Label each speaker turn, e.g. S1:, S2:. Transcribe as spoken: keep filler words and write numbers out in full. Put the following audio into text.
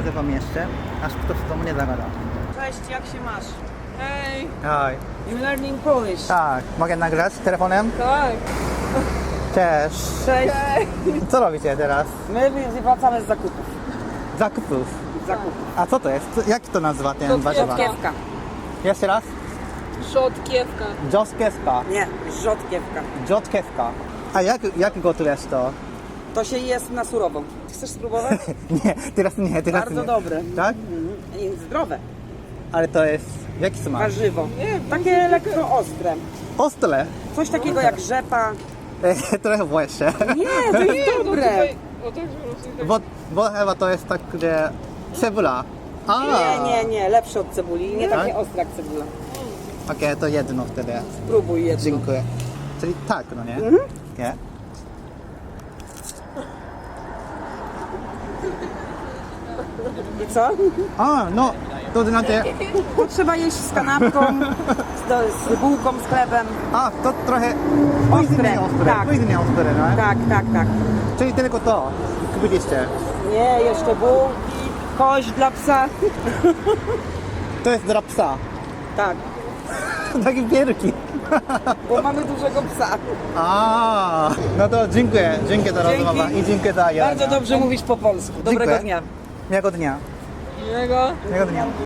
S1: nagrywam jeszcze, aż ktoś do mnie zagada.
S2: Cześć, jak się masz?
S3: Hej!
S1: Oj,
S2: You learning Polish?
S1: tak, mogę nagrać telefonem?
S3: Tak!
S1: Cześć.
S2: Cześć.
S1: Co robicie teraz?
S2: My wracamy z zakupów.
S1: Zakupów.
S2: Zakupów.
S1: A co to jest? Co- Jak to nazywa ten
S3: To
S1: warzywa?
S2: Rzodkiewka.
S1: Jeszcze raz?
S3: Rzodkiewka.
S1: Dżoskiewka.
S2: Nie, rzodkiewka.
S1: Dżoskiewka. A jak, jak gotujesz to?
S2: To się jest na surowo. Chcesz spróbować?
S1: Nie, teraz nie, teraz
S2: Bardzo
S1: nie.
S2: dobre.
S1: Tak?
S2: Mhm. I zdrowe.
S1: Ale to jest... Jaki smak?
S2: Warzywo. Takie lekko ostre.
S1: Ostre.
S2: Coś takiego jak rzepa.
S1: Trochę włosie.
S2: Nie, to jest dobre.
S3: Tutaj, o tak, że tak.
S1: Bo, bo chyba to jest tak, że cebula. A.
S2: Nie, nie, nie. Lepsze od cebuli. Nie
S1: Tak?
S2: takie ostre jak cebula.
S1: Okej, to jedno wtedy.
S2: Spróbuj jedno.
S1: Dziękuję. Czyli tak, no nie?
S2: Mhm.
S1: Nie?
S2: I co?
S1: A, no, to znaczy...
S2: To trzeba jeść z kanapką, z, z bułką, z chlebem.
S1: A, to trochę...
S2: Ostre,
S1: Później ostre,
S2: tak.
S1: później ostre, no?
S2: Tak, tak, tak.
S1: Czyli tylko to kupiliście.
S2: Nie, jeszcze bułki, kość dla psa.
S1: To jest dla psa.
S2: Tak,
S1: Takie wielki.
S2: bo mamy dużego psa.
S1: A, no to dziękuję. Dziękuję za
S2: Dzięki.
S1: rozmowę i dziękuję za jedzenie.
S2: Bardzo dobrze mówisz po polsku. Dobrego
S1: Dziękuję.
S2: dnia.
S1: Miłego dnia.
S3: Miłego.
S1: Miłego dnia.